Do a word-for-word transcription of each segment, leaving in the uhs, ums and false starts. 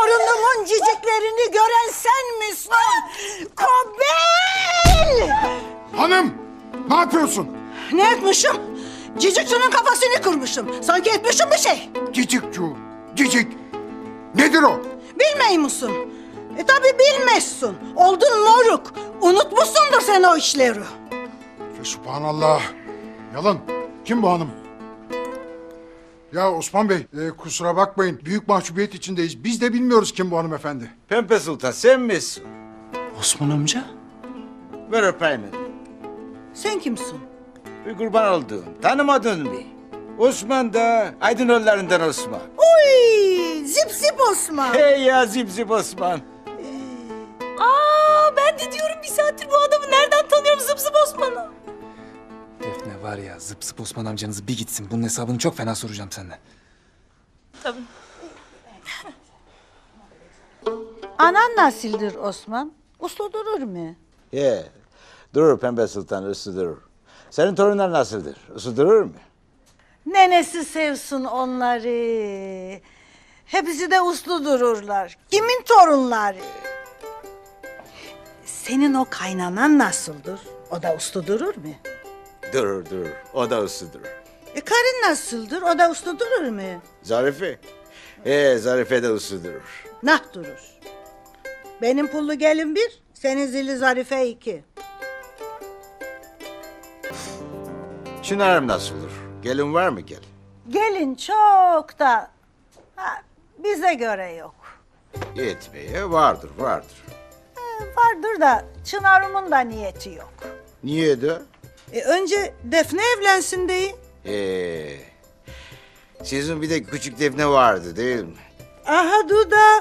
torunumun ciciklerini gören sen misin? Kobel! Hanım! Ne yapıyorsun? Ne etmişim? Cicikçinin kafasını kırmışım. Sanki etmişim bir şey. Cicikcu, cicik. Nedir o? Bilmey musun? E tabi bilmezsin. Oldun moruk. Unutmuşsundur sen o işleri. Subhanallah. Yalan. Kim bu hanım? Ya Osman Bey, e, kusura bakmayın. Büyük mahcubiyet içindeyiz. Biz de bilmiyoruz kim bu hanımefendi. Pembe Sultan sen misin? Osman amca? Ver öpeyim. Sen kimsin? Bir kurban oldum. Tanımadın mı? Osman da Aydınoğullarından Osman. Uy, zip zip Osman. Hey ya zip zip Osman. Aa, ben de diyorum bir saattir bu adamı nereden tanıyorum zıp zıp Osman'ı. Defne var ya, zıp zıp Osman amcanızı bir gitsin. Bunun hesabını çok fena soracağım senden. Tabii. Anan nasıldır Osman? Uslu durur mu? He, durur Pembe Sultan, uslu durur. Senin torunlar nasıldır? Uslu durur mu? Nenesi sevsin onları. Hepsi de uslu dururlar. Kimin torunları? Senin o kaynanan nasıldır? O da uslu durur mu? Durur, durur. O da uslu durur. E karın nasıldır? O da uslu durur mu? Zarife? He, Zarife de uslu durur. Nah durur. Benim pullu gelin bir, senin zili zarife iki. Çınar'ım nasıl olur? Gelin var mı gelin? Gelin çok da ha, bize göre yok. Yetmeye vardır, vardır. E, vardır da Çınar'ımın da niyeti yok. Niye de? E, önce Defne evlensin deyin. Ee, sizin bir de küçük Defne vardı değil mi? Aha Duda.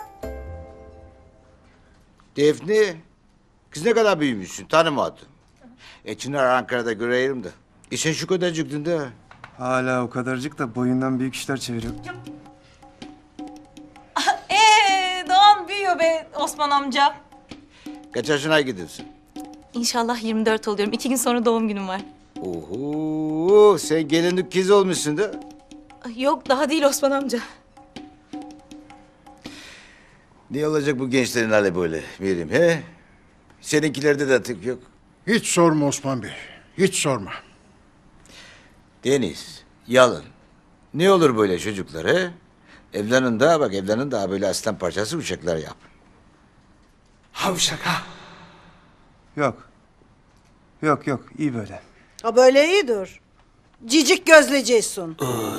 Defne, kız ne kadar büyümüşsün tanımadım. E Çınar Ankara'da göreyim de. E sen şu kadarcıktın da. Hala o kadarcık da boyundan büyük işler çeviriyor. Ee, Doğan büyüyor be Osman amca. Kaç yaşına gidiyorsun? İnşallah yirmi dört oluyorum. İki gün sonra doğum günüm var. Oho, sen gelinlik kız olmuşsun da. Yok daha değil Osman amca. Ne olacak bu gençlerin hali böyle Meryem he? Seninkilerde de tık yok. Hiç sorma Osman Bey. Hiç sorma. Deniz, Yalın. Ne olur böyle çocuklar he? Evlenin daha bak evlenin daha böyle aslan parçası uçaklar yap. Havşak ha! Yok. Yok yok iyi böyle. Ha böyle iyidir. Cicik gözleceksin.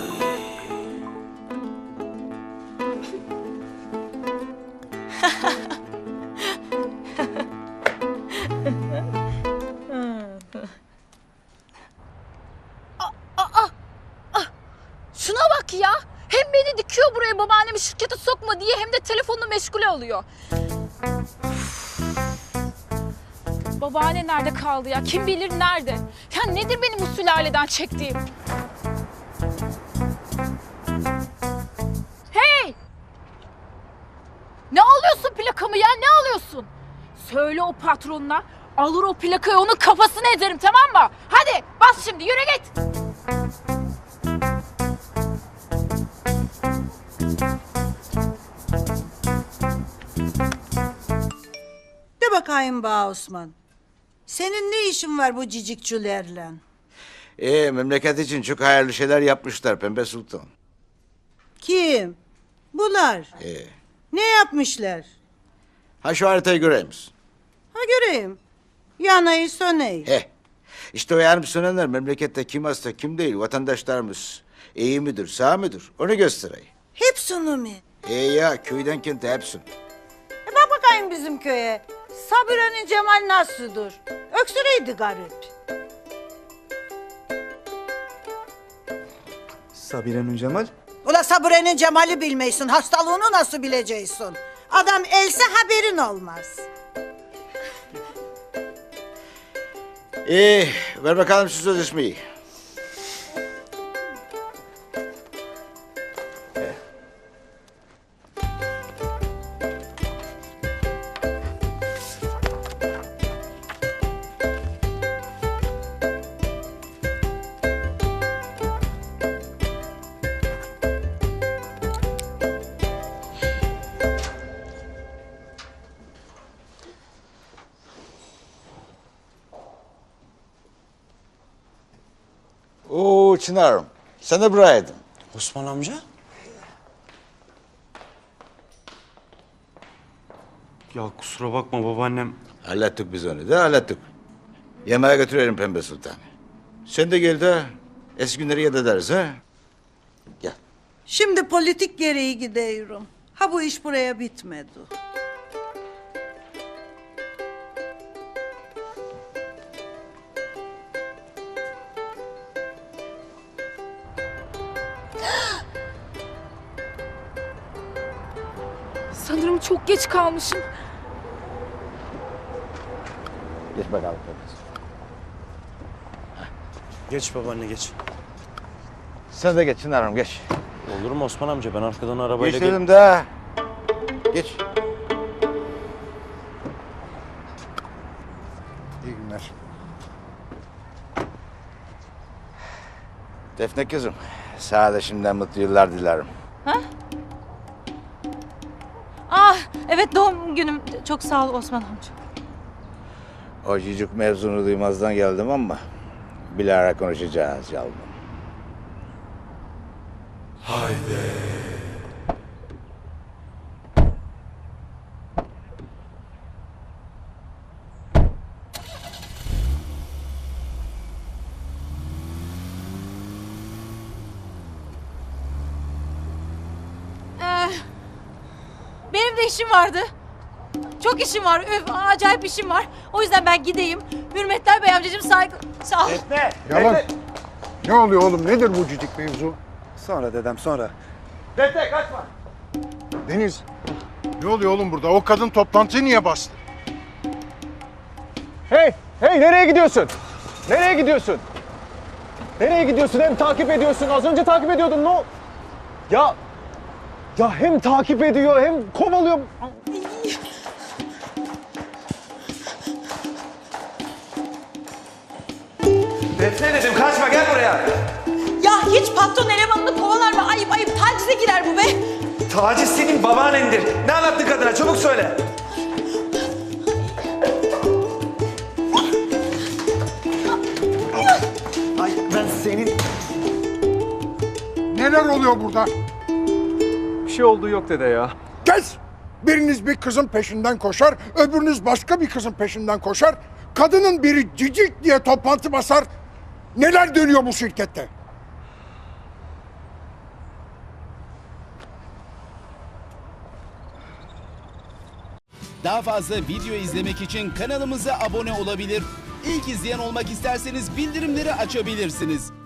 Şuna bak ya. Hem beni dikiyor buraya babaannemi şirkete sokma diye hem de telefonla meşgule oluyor. Babaanne nerede kaldı ya? Kim bilir nerede? Ya nedir benim bu sülaleden çektiğim? Hey! Ne alıyorsun plakamı ya? Ne alıyorsun? Söyle o patronuna. Alır o plakayı onun kafasını ederim tamam mı? Hadi bas şimdi yürü git. De bakayım bana Osman. Senin ne işin var bu cicikçülerle? E memleket için çok hayırlı şeyler yapmışlar Pembe Sultan. Kim? Bunlar. E, Ne yapmışlar? ha şu haritayı göreyim misin? Ha göreyim. Yanayı söneyi. He. İşte o yanıp sönenler memlekette kim hasta kim değil vatandaşlarımız. İyi midir sağ mıdır onu göstereyim. Hepsini mi? E ya köyden kente hepsini. E bak bakayım bizim köye. Sabire'nin Cemal nasıldır? Öksüreydi garip. Sabire'nin Cemal. Ula Sabire'nin Cemal'i bilmeysin. Hastalığını nasıl bileceksin? Adam else haberin olmaz. E ver bakalım şu sözleşmeyi. Oo Çınar'ım. Sen de buraydın. Osman amca? Ya kusura bakma babaannem. Hallettik biz onu da hallettik. Yemeğe götürelim Pembe Sultan. Sen de gel de eski günleri yad ederiz ha. Gel. Şimdi politik gereği gidiyorum. Ha bu iş buraya bitmedi. Sanırım çok geç kalmışım. Geç bakalım Pembe Sultan. Geç babaanne geç. Sen de geç Çınar'ım geç. Olur mu Osman amca? Ben arkadan arabayla... Geç dedim de. Geç. İyi günler. Defne kızım. Sana da şimdiden mutlu yıllar dilerim. Ah evet doğum günüm. Çok sağ ol Osman amca. O cicik mevzunu duymazdan geldim ama bilahare konuşacağız yavrum. Ee, benim de işim vardı. Çok işim var. Öf, acayip işim var. O yüzden ben gideyim. Hürmetler Bey amcacığım saygı... Sağ ol. Yalan. Ne oluyor oğlum? Nedir bu cicik mevzu? Sonra dedem sonra. Deniz. Ne oluyor oğlum burada? O kadın toplantıyı niye bastı? Hey, hey nereye gidiyorsun? Nereye gidiyorsun? Nereye gidiyorsun? Hem takip ediyorsun. Az önce takip ediyordun. Ne? o- Ya, ya hem takip ediyor hem kovalıyor. Defne dedim kaçma gel buraya. Ya hiç patron elemanını kovalar mı? Ayıp ayıp tacize girer bu be. Taciz senin babaannendir. Ne anlattın kadına çabuk söyle. Ay ben senin... Neler oluyor burada? Bir şey olduğu yok dede ya. Kes! Biriniz bir kızın peşinden koşar, öbürünüz başka bir kızın peşinden koşar. Kadının biri cicik diye toplantı basar. Neler dönüyor bu şirkette? Daha fazla video izlemek için kanalımıza abone olabilir. İlk izleyen olmak isterseniz bildirimleri açabilirsiniz.